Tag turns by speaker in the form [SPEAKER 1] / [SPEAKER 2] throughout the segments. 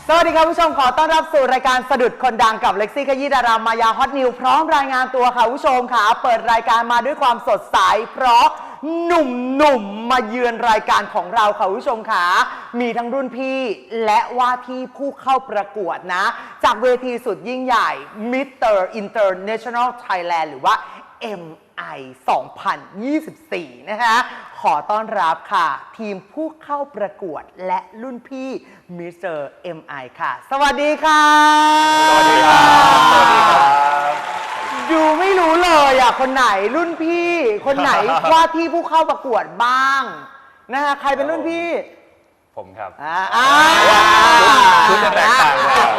[SPEAKER 1] สวัสดีครับผู้ชมขอต้อนรับสู่รายการสะดุดคนดังกับเล็กซี่ขยี้ดารามายาฮอตนิวพร้อมรายงานตัวค่ะผู้ชมค่ะเปิดรายการมาด้วยความสดใสเพราะหนุ่มมาเยือนรายการของเราค่ะผู้ชมค่ะมีทั้งรุ่นพี่และว่าที่ผู้เข้าประกวดนะจากเวทีสุดยิ่งใหญ่ Mr. International Thailand หรือว่า MI 2024 นะคะขอต้อนรับค่ะทีมผู้เข้าประกวดและรุ่นพี่ Mr. MI ค่ะสวัสดีค่ะ
[SPEAKER 2] สวัสดีครับสวัสดีครับ
[SPEAKER 1] ดูไม่รู้เลยอ่ะคนไหนรุ่นพี่คนไหนว่าที่ผู้เข้าประกวดบ้างนะคะใครเป็นรุ่นพี่
[SPEAKER 2] ผมครับ
[SPEAKER 1] คุ
[SPEAKER 2] ณจะแตกต่างกัน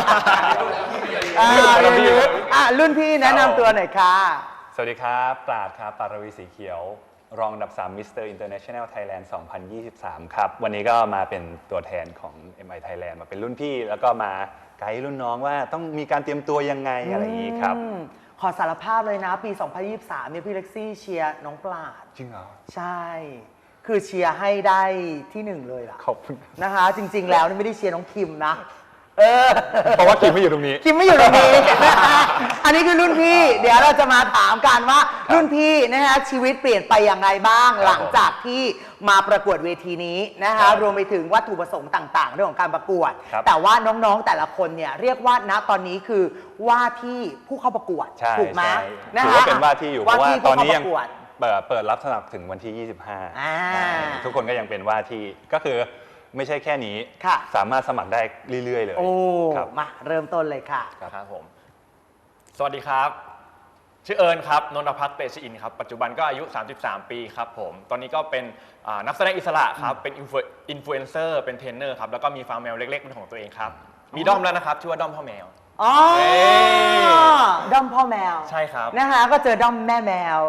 [SPEAKER 1] รุ่นพี่แนะนำตัวหน่อยค่ะ
[SPEAKER 2] สวัสดีครับปราดครับปราวีสีเขียวรองอันดับ3 Mr. International Thailand 2023 ครับวันนี้ก็มาเป็นตัวแทนของ MI Thailand มาเป็นรุ่นพี่แล้วก็มาไกด์รุ่นน้องว่าต้องมีการเตรียมตัวยังไงอะไรอย่างนี้ครับ
[SPEAKER 1] ขอสารภาพเลยนะปี 2023 เนี่ยพี่เล็กซี่เชียร์น้องปราด
[SPEAKER 2] จริงเหรอ
[SPEAKER 1] ใช่คือเชียร์ให้ได้ที่ 1เลยล่ะ
[SPEAKER 2] ขอบคุณ
[SPEAKER 1] นะคะจริงๆแล้วนี่ไม่ได้เชียร์น้องคิมนะ
[SPEAKER 2] เพราะว่าคิมไม่อยู่ตรงนี้
[SPEAKER 1] คิมไม่อยู่ตรงนี้อันนี้คือรุ่นพี่เดี๋ยวเราจะมาถามกันว่ารุ่นพี่นะคะชีวิตเปลี่ยนไปอย่างไรบ้างหลังจากที่มาประกวดเวทีนี้นะคะรวมไปถึงวัตถุประสงค์ต่างๆเรื่องของการประกวดแต่ว่าน้องๆแต่ละคนเนี่ยเรียกว่าณตอนนี้คือว่าที่ผู้เข้าประกวดถูกไหม
[SPEAKER 2] ถือว่าเป็นว่าที่อยู่เพราะว่าตอนนี้ยังเปิดรับสมัครถึงวันที่25ทุกคนก็ยังเป็นว่าที่ก็คือไม่ใช่แค่นี้สามารถสมัครได้เรื่อยๆเลย
[SPEAKER 1] โอ้มาเริ่มต้นเลยค่ะ
[SPEAKER 3] ครับผมสวัสดีครับชื่อเอิญครับนนทพัฒน์เตชอินครับปัจจุบันก็อายุ33 ปีครับผมตอนนี้ก็เป็นนักแสดงอิสระครับเป็นอินฟลูเอนเซอร์เป็นเทรนเนอร์ครับแล้วก็มีฟาร์มแมวเล็กๆเป็นของตัวเองครับมีด้อมแล้วนะครับชื่อว่าด้อมพ่อแมว
[SPEAKER 1] อ๋อด้อมพ่อแมว
[SPEAKER 3] ใช่ครับ
[SPEAKER 1] นะคะก็เจอด้อมแม่แมว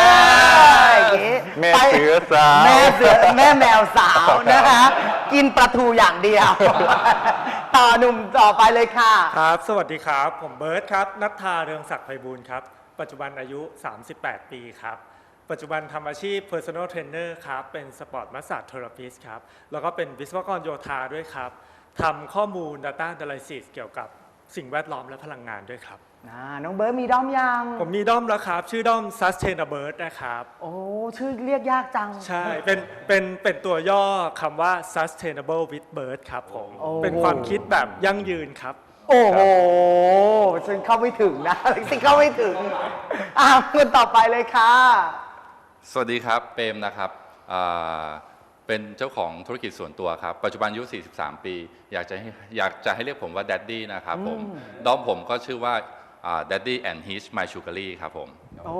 [SPEAKER 2] แม่เสือสาว
[SPEAKER 1] แม่แมวสาวนะคะกินปลาทูอย่างเดียวต่อหนุ่มต่อไปเลยค่ะ
[SPEAKER 4] ครับสวัสดีครับผมเบิร์ตครับณัฐฐาเรืองศักดิ์ไพบูลย์ครับปัจจุบันอายุ38 ปีครับปัจจุบันทำอาชีพ Personal Trainer ครับเป็น Sport Massage Therapist ครับแล้วก็เป็นวิศวกรโยธาด้วยครับทำข้อมูล Data Analysis เกี่ยวกับสิ่งแวดล้อมและพลังงานด้วยครับ
[SPEAKER 1] น้องเบิร์ตมีด้อมยัง
[SPEAKER 4] ผมมีด้อมแล้วครับชื่อด้อม Sustainable นะครับ
[SPEAKER 1] โอ้ชื่อเรียกยากจัง
[SPEAKER 4] ใช่เป็นตัวย่อคำว่า Sustainable with Bird ครับผมเป็นความคิดแบบยั่งยืนครับ
[SPEAKER 1] โอ้โหฉันเข้าไม่ถึงนะฉันเข้าไม่ถึงคนต่อไปเลยค่ะ
[SPEAKER 5] สวัสดีครับเปรมนะครับเป็นเจ้าของธุรกิจส่วนตัวครับปัจจุบันอายุ43 ปีอยากจะให้เรียกผมว่า Daddy นะครับผมด้อมผมก็ชื่อว่าDaddy and His My Sugary ครับผม
[SPEAKER 1] โอ้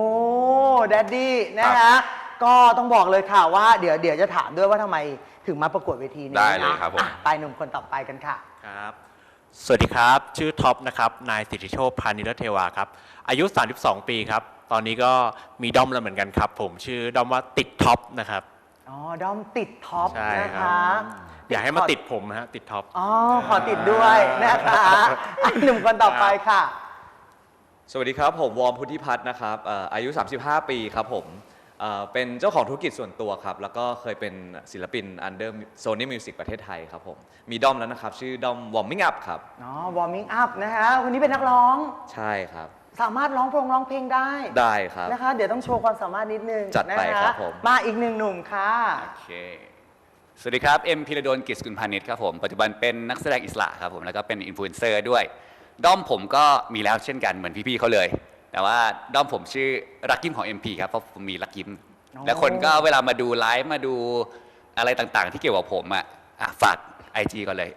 [SPEAKER 1] Daddy นะคะก็ต้องบอกเลยค่ะว่าเดี๋ยวจะถามด้วยว่าทำไมถึงมาประกวดเวทีนี้
[SPEAKER 5] ได้เลยครับผม
[SPEAKER 1] ไปหนุ่มคนต่อไปกันค่ะ
[SPEAKER 6] ครับสวัสดีครับชื่อท็อปนะครับนายสิทธิโชคพานิรเทวาครับอายุ32 ปีครับตอนนี้ก็มีด้อมแล้วเหมือนกันครับผมชื่อด้อมว่าติดท็อปนะครับ
[SPEAKER 1] อ๋อด้อมติดท็อปนะคะ
[SPEAKER 6] อยากให้มาติดผมฮะติดท็อป
[SPEAKER 1] อ๋อขอติดด้วยนะคะหนุ่มคนต่อไปค่ะ
[SPEAKER 7] สวัสดีครับผมวอร์มพุทธิพัฒน์นะครับอายุ35 ปีครับผมเป็นเจ้าของธุรกิจส่วนตัวครับแล้วก็เคยเป็นศิลปิน Under Sony Music ประเทศไทยครับผมมีด้อมแล้วนะครับชื่อด้อม Warming Up ครับ
[SPEAKER 1] อ๋อ Warming Up นะคะคนนี้เป็นนักร้อง
[SPEAKER 7] ใช่ครับ
[SPEAKER 1] สามารถร้องเพลง
[SPEAKER 7] ได้ครับ
[SPEAKER 1] นะคะเดี๋ยวต้องโชว์ความสามารถนิดนึง
[SPEAKER 7] จัดไปครับผม
[SPEAKER 1] มาอีกหนึ่งหนุ่มค่ะ
[SPEAKER 8] โอเคสวัสดีครับเอ็มพิรดลกิจสกุลพานิชครับผมปัจจุบันเป็นนักแสดงอิสระครับผมแล้วก็เป็นอินฟลูเอนเซอร์ด้วยด้อมผมก็มีแล้วเช่นกันเหมือนพี่ๆเขาเลยแต่ว่าด้อมผมชื่อรักยิ้มของ MP ครับเพราะผมมีรักยิ้มและคนก็เวลามาดูไลฟ์มาดูอะไรต่างๆที่เกี่ยวกับผมฝาก IG ก่อนเลย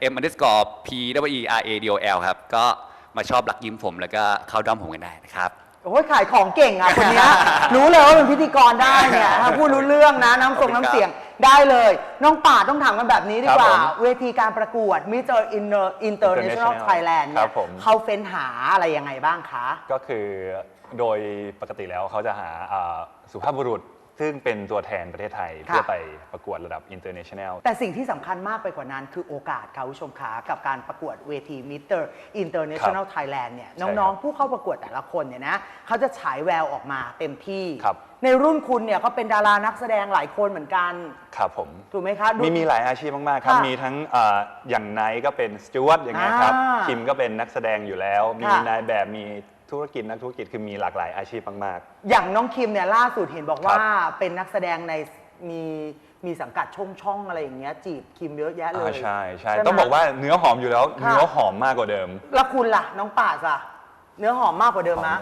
[SPEAKER 8] M_PWERADOL ครับก็มาชอบรักยิ้มผมแล้วก็เข้าด้อมผมกันได้นะครับ
[SPEAKER 1] โอ้ยขายของเก่งคนนี้รู้เลยว่าเป็นพิธีกรได้เนี่ยพูดรู้เรื่องนะน้ำส่งน้ำเสียงได้เลยน้องป่าต้องถามกันแบบนี้ดีกว่าเวทีการประกวด Mr. International Thailand เนี่ยเขาเฟ้นหาอะไรยังไงบ้างคะ
[SPEAKER 2] ก็คือโดยปกติแล้วเขาจะหาสุภาพบุรุษซึ่งเป็นตัวแทนประเทศไทยเพื่อไปประกวดระดับ international
[SPEAKER 1] แต่สิ่งที่สำคัญมากไปกว่านั้นคือโอกาสค่ะผู้ชมขากับการประกวดเวที Mr. International Thailand เนี่ย
[SPEAKER 2] ใช่ครับ
[SPEAKER 1] น้องๆผู้เข้าประกวดแต่ละคนเนี่ยนะเขาจะฉายแววออกมาเต็มที่
[SPEAKER 2] ครับ
[SPEAKER 1] ในรุ่นคุณเนี่ยก็เป็นดารานักแสดงหลายคนเหมือนกัน
[SPEAKER 2] ครับผม
[SPEAKER 1] ถูกไหมคะดู
[SPEAKER 2] มีหลายอาชีพมากๆครับ
[SPEAKER 1] ค่ะ
[SPEAKER 2] มีทั้งอย่างไนท์ก็เป็นสจวตอย่างเงี้ยครับ
[SPEAKER 1] อ่า
[SPEAKER 2] คิมก็เป็นนักแสดงอยู่แล้ว มี
[SPEAKER 1] ค่ะ
[SPEAKER 2] นายแบบมีธุรกิจนักธุรกิจคือมีหลากหลายอาชีพมาก
[SPEAKER 1] อย่างน้องคิมเนี่ยล่าสุดเห็นบอกว่า
[SPEAKER 2] ครับ
[SPEAKER 1] เป็นนักแสดงในมีสังกัดช่องอะไรอย่างเงี้ยจีบคิมเยอะแยะเลย
[SPEAKER 2] ใช่ใช่
[SPEAKER 1] ไหม
[SPEAKER 2] ต้องบอกว่าเนื้อหอมอยู่แล้ว
[SPEAKER 1] ค่ะ
[SPEAKER 2] เนื้อหอมมากกว่าเดิม
[SPEAKER 1] แล้วคุณล่ะน้องป่าสอะเนื้อหอมมากกว่าเดิมนะ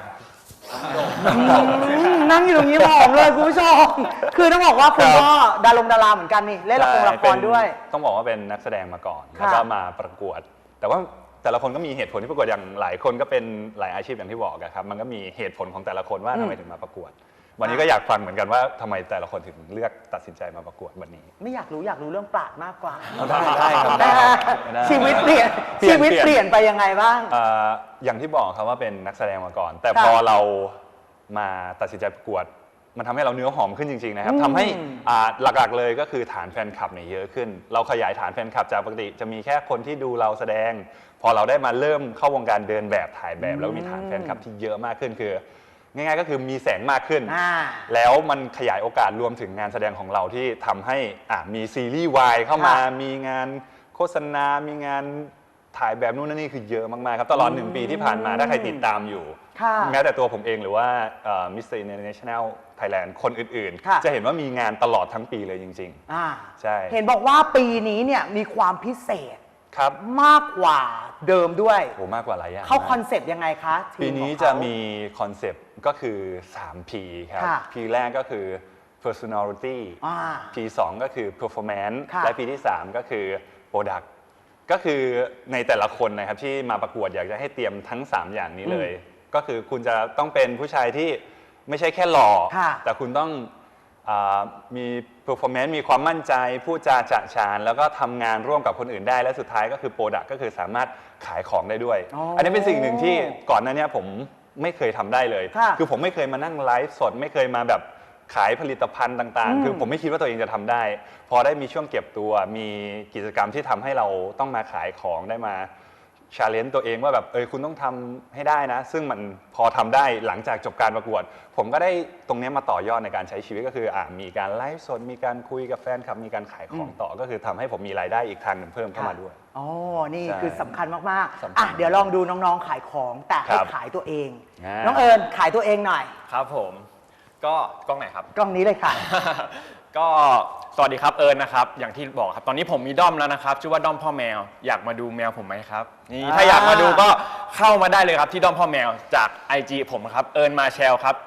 [SPEAKER 1] นั่งอยู่ตรงนี้หอมเลยคุณผู้ชมคือต้องบอกว่าคุณก็ดาราเหมือนกันนี่เล่นละคร
[SPEAKER 2] ใช่
[SPEAKER 1] ละครด้วย
[SPEAKER 2] ต้องบอกว่าเป็นนักแสดงมาก่อน
[SPEAKER 1] ค่ะ
[SPEAKER 2] แล้วก็มาประกวด แต่ว่าแต่ละคนก็มีเหตุผลที่ประกวดอย่างหลายคนก็เป็นหลายอาชีพอย่างที่บอกอะครับมันก็มีเหตุผลของแต่ละคนว่าทำไมถึงมาประกวด วันนี้ก็อยากฟังเหมือนกันว่าทำไมแต่ละคนถึงเลือกตัดสินใจมาประกวดวันนี้
[SPEAKER 1] ไม่อยากรู้เรื่องปราดมากกว่า
[SPEAKER 2] ได้ครับได้ได้
[SPEAKER 1] ชีวิตเปลี่ยน
[SPEAKER 2] เปลี่ยน
[SPEAKER 1] ชีวิตเปลี่ยนไปยังไงบ้าง
[SPEAKER 2] อย่างที่บอกครับว่าเป็นนักแสดงมาก่อน แต่
[SPEAKER 1] ค่ะ
[SPEAKER 2] พอเรามาตัดสินใจประกวด มันทำให้เราเนื้อหอมขึ้นจริงๆนะครับทำให้หลักๆเลยก็คือฐานแฟนคลับเนี่ยเยอะขึ้น เราขยายฐานแฟนคลับจากปกติจะมีแค่คนที่ดูเราแสดง พอเราได้มาเริ่มเข้าวงการเดินแบบถ่ายแบบ แล้วก็มีฐานแฟนคลับที่เยอะมากขึ้นคือง่ายๆก็คือมีแสงมากขึ้น แล้วมันขยายโอกาสรวมถึงงานแสดงของเราที่ทำให้มีซีรีส์วายเข้ามา มีงานโฆษณา มีงานถ่ายแบบนู่นนั่นนี่คือเยอะมากๆครับตลอด1 ปีที่ผ่านมาถ้าใครติดตามอยู่
[SPEAKER 1] ค่ะ
[SPEAKER 2] แม้แต่ตัวผมเองหรือว่าMr. International Thailand คนอื่น
[SPEAKER 1] ค่ะ
[SPEAKER 2] ๆ จะเห็นว่ามีงานตลอดทั้งปีเลยจริง ใช่
[SPEAKER 1] เห็นบอกว่าปีนี้เนี่ยมีความพิเศษ
[SPEAKER 2] ๆ ครับ
[SPEAKER 1] มากกว่าเดิมด้วย
[SPEAKER 2] โหมากกว่าหลายอย่าง
[SPEAKER 1] เขา
[SPEAKER 2] มก
[SPEAKER 1] คอนเซปต์ยังไงคะทีม
[SPEAKER 2] ปีนี้
[SPEAKER 1] ของเขา
[SPEAKER 2] จะมีคอนเซปต์ก็คือ 3P ครับ
[SPEAKER 1] ค่ะ
[SPEAKER 2] P แรกก็คือ personality P 2ก็คือ performance
[SPEAKER 1] ค่ะ
[SPEAKER 2] และ P ที่ 3 ก็คือ product ก็คือในแต่ละคนนะครับที่มาประกวดอยากจะให้เตรียมทั้ง 3 อย่างนี้เลย ก็คือคุณจะต้องเป็นผู้ชายที่ไม่ใช่แค่หล่อ
[SPEAKER 1] ค่ะ
[SPEAKER 2] แต่คุณต้องมี performance มีความมั่นใจพูดจาฉะฉานแล้วก็ทำงานร่วมกับคนอื่นได้และสุดท้ายก็คือ product ก็คือสามารถขายของได้ด้วย อันนี้เป็นสิ่งหนึ่งที่ก่อนหน้านี้ผมไม่เคยทำได้เลย
[SPEAKER 1] ค่ะ
[SPEAKER 2] คือผมไม่เคยมานั่งไลฟ์สดไม่เคยมาแบบขายผลิตภัณฑ์ต่างๆ คือผมไม่คิดว่าตัวเองจะทำได้ พอได้มีช่วงเก็บตัวมีกิจกรรมที่ทำให้เราต้องมาขายของได้มาชาเลนจ์ตัวเองว่าแบบคุณต้องทำให้ได้นะ ซึ่งมันพอทำได้หลังจากจบการประกวด ผมก็ได้ตรงนี้มาต่อยอดในการใช้ชีวิตก็คือมีการไลฟ์สดมีการคุยกับแฟนคลับมีการขายของต่อก็คือทำให้ผมมีรายได้อีกทางหนึ่งเพิ่มเข้ามาด้วย
[SPEAKER 1] อ๋อ นี่
[SPEAKER 2] ใช่
[SPEAKER 1] คือสำคัญมาก
[SPEAKER 2] สำคัญ
[SPEAKER 1] ๆอ่ะเดี๋ยวลองดูน้องๆขายของแต่ให้
[SPEAKER 2] ครับ
[SPEAKER 1] ขายตัวเอง
[SPEAKER 2] อ่า
[SPEAKER 1] น้องเอิญขายตัวเองหน่อย
[SPEAKER 3] ครับผมก็กล้องไหนครับ
[SPEAKER 1] กล้องนี้เลยค่ะ
[SPEAKER 3] ก็สวัสดีครับเอิญนะครับอย่างที่บอกครับตอนนี้ผมมีด้อมแล้วนะครับชื่อว่าด้อมพ่อแมวอยากมาดูแมวผมไหมครับนี่ถ้าอยากมาดูก็เข้ามาได้เลยครับที่ด้อมพ่อแมวจาก IG ผมครับเอิญมาแชลครับ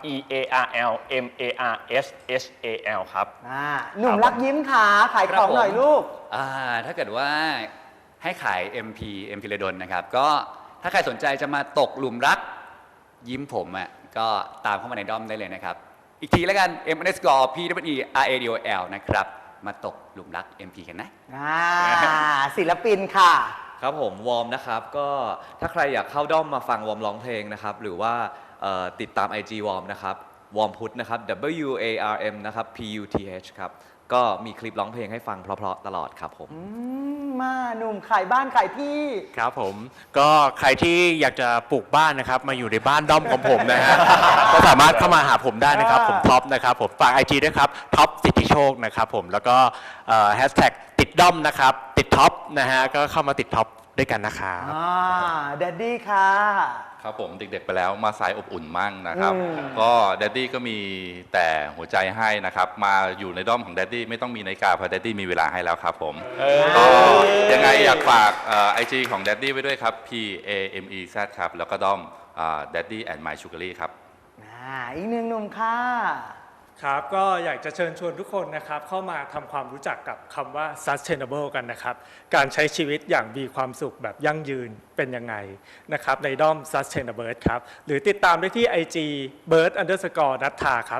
[SPEAKER 3] EARLMARSHAL ครับ
[SPEAKER 1] หนุ่มรักยิ้มขาขายของหน่อยลูก
[SPEAKER 8] ถ้าเกิดว่าให้ขาย MP ระดลนะครับ ก็ถ้าใครสนใจจะมาตกหลุมรักยิ้มผมอ่ะก็ตามเข้ามาในด้อมได้เลยนะครับ อีกทีแล้วกัน M_PRADOL นะครับ มาตกหลุมรัก MP กันนะ
[SPEAKER 1] ศิลปินค่ะ
[SPEAKER 7] ครับผมวอร์มนะครับก็ถ้าใครอยากเข้าด้อมมาฟังวอร์มร้องเพลงนะครับหรือว่าติดตาม IG วอร์มนะครับวอร์มพุทธนะครับ WARM นะครับ PUTH ครับก็มีคลิปร้องเพลงให้ฟังเพราะๆตลอดครับผม
[SPEAKER 1] มาหนุ่มขายบ้านขายที่
[SPEAKER 6] ครับผมก็ใครที่อยากจะปลูกบ้านนะครับมาอยู่ในบ้านด้อมของผมนะฮะ ก็สามารถเข้ามาหาผมได้นะครับผมท็อปนะครับผมฝาก IG ด้วยครับท็อปสิทธิโชคนะครับผมแล้วก็แฮชแท็กติดด้อมนะครับติดท็อปนะฮะก็เข้ามาติดท็อปด้วยกันนะครับ
[SPEAKER 1] แดดดี้ค่ะ
[SPEAKER 5] ครับผมเด็กๆไปแล้วมาสายอบอุ่นมั่งนะครับ ก็แดดดี้ก็มีแต่หัวใจให้นะครับ มาอยู่ในด้อมของแดดดี้ไม่ต้องมีนาฬิกาเพราะแดดดี้มีเวลาให้แล้วครับผมก็ยังไงอยากฝากIG ของแดดดี้ไว้ด้วยครับ PAMEZ ครับ แล้วก็ด้อมDaddy and My Sugary ครับ
[SPEAKER 1] อีกหนึ่งหนุ่มค่ะ
[SPEAKER 4] ครับก็อยากจะเชิญชวนทุกคนนะครับเข้ามาทำความรู้จักกับคำว่า sustainable กันนะครับการใช้ชีวิตอย่างมีความสุขแบบยั่งยืนเป็นยังไงนะครับในด้อม sustainable ครับหรือติดตามได้ที่ IG bird_nattha ครับ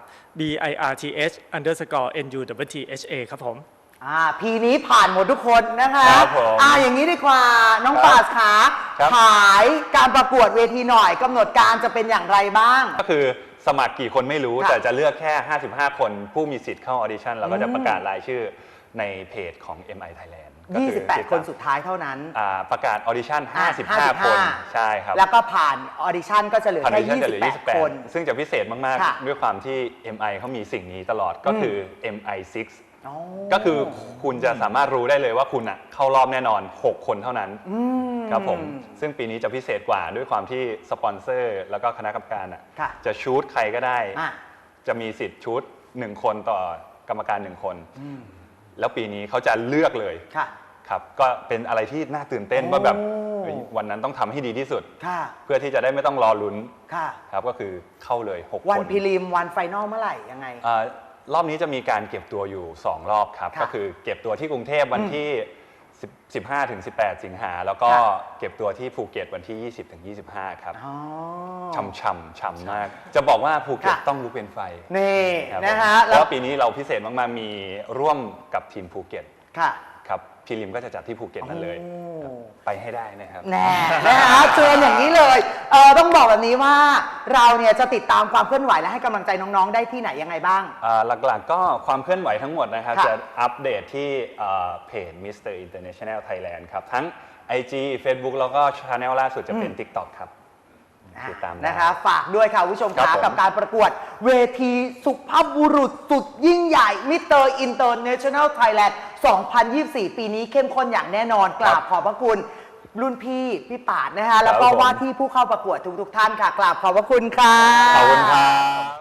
[SPEAKER 4] BIRTH_NUTTHA ครับผม
[SPEAKER 1] พีนี้ผ่านหมดทุกคนนะคะ
[SPEAKER 2] ครับผม
[SPEAKER 1] อย่างนี้ดีกว่าน้อง
[SPEAKER 2] ครับ
[SPEAKER 1] ปาสขา
[SPEAKER 2] ครับ
[SPEAKER 1] ขายการประกวดเวทีหน่อยกำหนดการจะเป็นอย่างไรบ้าง
[SPEAKER 2] ก็คือสมัครกี่คนไม่รู้
[SPEAKER 1] ค่ะ
[SPEAKER 2] แต่จะเลือกแค่ 55 คนผู้มีสิทธิ์เข้าออดิชั่นแล้วก็จะประกาศรายชื่อในเพจของ MI Thailand ก็คือ
[SPEAKER 1] 28 คนสุดท้ายเท่านั้น
[SPEAKER 2] ประกาศออดิชั่น 55
[SPEAKER 1] 55
[SPEAKER 2] คนใช่ครับ
[SPEAKER 1] แล้วก็ผ่านออดิชั่นก็จะเหลือ
[SPEAKER 2] ผ่านออ
[SPEAKER 1] แค่
[SPEAKER 2] ดิชั่นจะเหลือ
[SPEAKER 1] 28 คน
[SPEAKER 2] 28 ซึ่งจะพิเศษมาก
[SPEAKER 1] ค่ะ
[SPEAKER 2] ๆ ด้วยความที่ MI เขามีสิ่งนี้ตลอดก็คือ MI6
[SPEAKER 1] อ๋อ
[SPEAKER 2] ก็คือคุณจะสามารถรู้ได้เลยว่าคุณอะเข้ารอบแน่นอน 6 คนเท่านั้นครับผมซึ่งปีนี้จะพิเศษกว่าด้วยความที่สปอนเซอร์แล้วก็คณะกรรมการอะ
[SPEAKER 1] ค่ะ
[SPEAKER 2] จะชูตใครก็ได้
[SPEAKER 1] อ่ะ
[SPEAKER 2] จะมีสิทธิ์ชูต1 คนต่อกรรมการ 1 คน แล้วปีนี้เขาจะเลือกเลย
[SPEAKER 1] ค่ะ
[SPEAKER 2] ครับก็เป็นอะไรที่น่าตื่นเต้นว่าแบบ
[SPEAKER 1] โอ้
[SPEAKER 2] เฮ้ยวันนั้นต้องทำให้ดีที่สุด
[SPEAKER 1] ค่ะ
[SPEAKER 2] เพื่อที่จะได้ไม่ต้องรอลุ้น
[SPEAKER 1] ค่ะ
[SPEAKER 2] ครับก็คือเข้าเลย 6 คน
[SPEAKER 1] วันพรีลิมวันไฟนอลเมื่อไหร่ยังไง
[SPEAKER 2] รอบนี้จะมีการเก็บตัวอยู่ 2 รอบครับ
[SPEAKER 1] ค่ะ
[SPEAKER 2] ก็คือเก็บตัวที่กรุงเทพวันที่ 15 ถึง 18 สิงหาแล้วก็
[SPEAKER 1] ค่ะ
[SPEAKER 2] เก็บตัวที่ภูเก็ตวันที่ 20 ถึง 25 ครับ
[SPEAKER 1] อ๋อ
[SPEAKER 2] ช่ำมาก จะบอกว่าภูเก็ต
[SPEAKER 1] ค่ะ
[SPEAKER 2] ต้องลุกเป็นไฟ
[SPEAKER 1] นี่
[SPEAKER 2] ครับ
[SPEAKER 1] นะฮะ
[SPEAKER 2] เพราะว่าปีนี้เราพิเศษมากๆมีร่วมกับทีมภูเก็ต
[SPEAKER 1] ค่ะ
[SPEAKER 2] ครับพรีลิมก็จะจัดที่ภูเก็ตนั่นเลย
[SPEAKER 1] โอ้
[SPEAKER 2] ครับไปให้ได้นะครับ
[SPEAKER 1] แน่นะฮะเชิญอย่างนี้เลยต้องบอกแบบนี้ว่าเราเนี่ยจะติดตามความเคลื่อนไหวและให้กำลังใจน้องๆได้ที่ไหนยังไงบ้าง
[SPEAKER 2] หลักๆก็ความเคลื่อนไหวทั้งหมดนะครับ
[SPEAKER 1] ค่ะ
[SPEAKER 2] จะอัปเดตที่เพจ Mr. International Thailand ครับ ทั้ง IG Facebook แล้วก็ช anel ล่าสุดจะเป็น TikTok ครับ ติดตามได้
[SPEAKER 1] นะคะฝากด้วยค่ะคุณผู้ชม
[SPEAKER 2] ครั
[SPEAKER 1] คะ
[SPEAKER 2] บผม
[SPEAKER 1] กับการประกวดเวทีสุภาพบุรุษสุดยิ่งใหญ่ Mr. International Thailand 2024 ปีนี้เข้มข้นอย่างแน่นอนกราบขอบพระคุณรุ่นพี่ปาดนะคะแล้วก็ว่าที่ผู้เข้าประกวดทุกๆท่านค่ะกราบขอบพระคุณค่ะ
[SPEAKER 2] ขอบคุณครับ